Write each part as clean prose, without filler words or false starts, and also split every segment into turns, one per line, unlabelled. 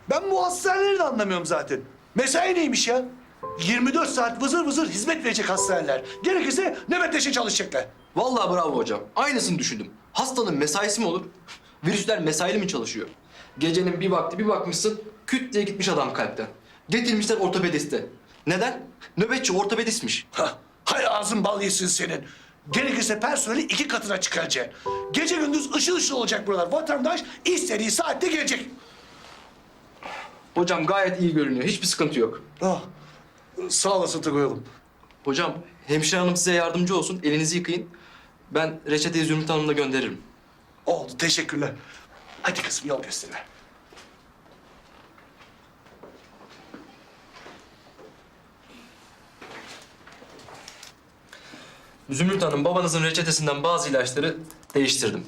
Ben bu hastaneleri de anlamıyorum zaten. Mesai neymiş ya? 24 saat vızır vızır hizmet verecek hastaneler. Gerekirse nöbetleşe çalışacaklar.
Vallahi bravo hocam. Aynısını düşündüm. Hastanın mesaisi mi olur? Virüsler mesaili mi çalışıyor? Gecenin bir vakti bir bakmışsın, küt diye gitmiş adam kalpten. Getirmişler ortopediste. Neden? Nöbetçi ortopedistmiş.
Hah, hay ağzın bal yesin senin. Gerekirse personeli 2 katına çıkaracaksın. Gece gündüz ışıl ışıl olacak buralar. Vatandaş istediği saatte gelecek.
Hocam gayet iyi görünüyor. Hiçbir sıkıntı yok.
Ah, sağ olasın Tugay oğlum.
Hocam hemşire hanım size yardımcı olsun. Elinizi yıkayın. Ben reçeteyi Zümrüt Hanım'la gönderirim.
Oldu, teşekkürler. Hadi kızım yol göster.
Zümrüt Hanım, babanızın reçetesinden bazı ilaçları değiştirdim.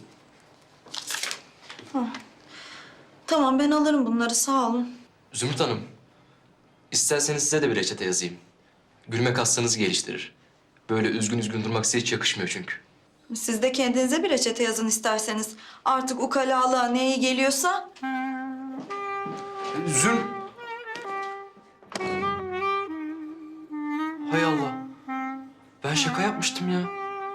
Tamam ben alırım bunları sağ olun.
Zümrüt Hanım, isterseniz size de bir reçete yazayım. Gülmek hastanızı geliştirir. Böyle üzgün üzgün durmak size hiç yakışmıyor çünkü.
Siz de kendinize bir reçete yazın isterseniz. Artık ukalalığa ne iyi geliyorsa.
Hay Allah. Ben şaka yapmıştım ya.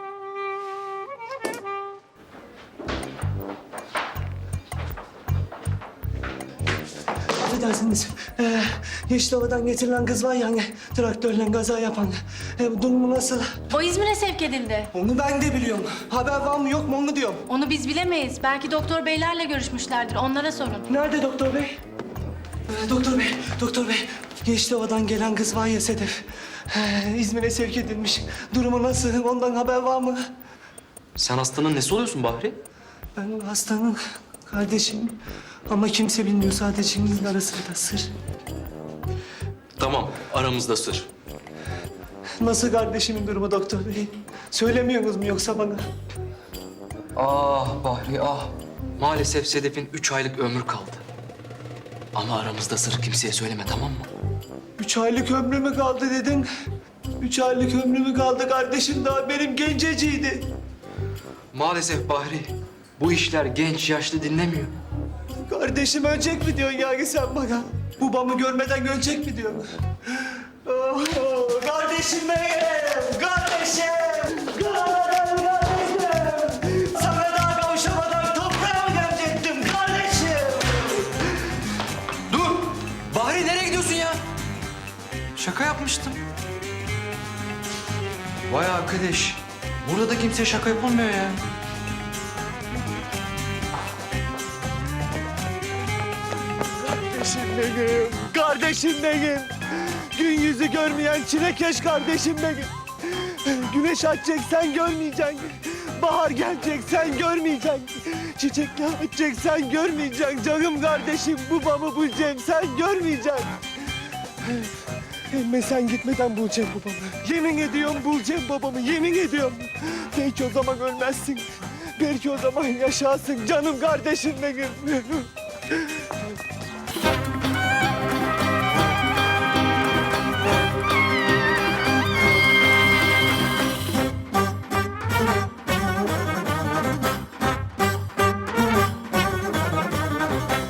Affedersiniz. Yeşilova'dan getirilen kız var ya hani traktörle kaza yapan. Bu durumu nasıl?
O İzmir'e sevk edildi.
Onu ben de biliyorum. Haber var mı yok mu onu diyorum.
Onu biz bilemeyiz. Belki doktor beylerle görüşmüşlerdir. Onlara sorun.
Nerede doktor bey? Doktor bey. Yeşilova'dan gelen kız var ya Sedef. İzmir'e sevk edilmiş. Durumu nasıl? Ondan haber var mı?
Sen hastanın nesi oluyorsun Bahri?
Ben hastanın kardeşim. Ama kimse bilmiyor, sadece ikimizin arasında sır.
Tamam, aramızda sır.
Nasıl kardeşimin durumu doktor bey? Söylemiyorsunuz mu yoksa bana?
Ah Bahri ah. Maalesef Sedef'in 3 aylık ömrü kaldı. Ama aramızda sır, kimseye söyleme, tamam mı?
3 aylık ömrü mü kaldı dedin? 3 aylık ömrü mü kaldı kardeşim, daha benim genceciydi.
Maalesef Bahri, bu işler genç yaşlı dinlemiyor.
Kardeşim ölecek mi diyorsun yani sen bana? Babamı görmeden ölecek mi diyorsun? Oh, kardeşim benim! Kardeşim! Kardeşim! Sana daha kavuşamadan toprağa mı gömecektim kardeşim?
Dur! Bahri nereye gidiyorsun ya? Şaka yapmıştım. Vay arkadaş, burada da kimseye şaka yapılmıyor ya.
Kardeşim benim! Kardeşim benim! Gün yüzü görmeyen çilekeş kardeşim benim! Güneş açacak sen görmeyeceksin. Bahar gelecek sen görmeyeceksin. Çiçekler açacak sen görmeyeceksin. Canım kardeşim babamı bulacağım sen görmeyeceksin. Ama sen gitmeden bulacağım babamı. Yemin ediyorum bulacağım babamı, yemin ediyorum. Belki o zaman ölmezsin. Belki o zaman yaşarsın canım kardeşim benim.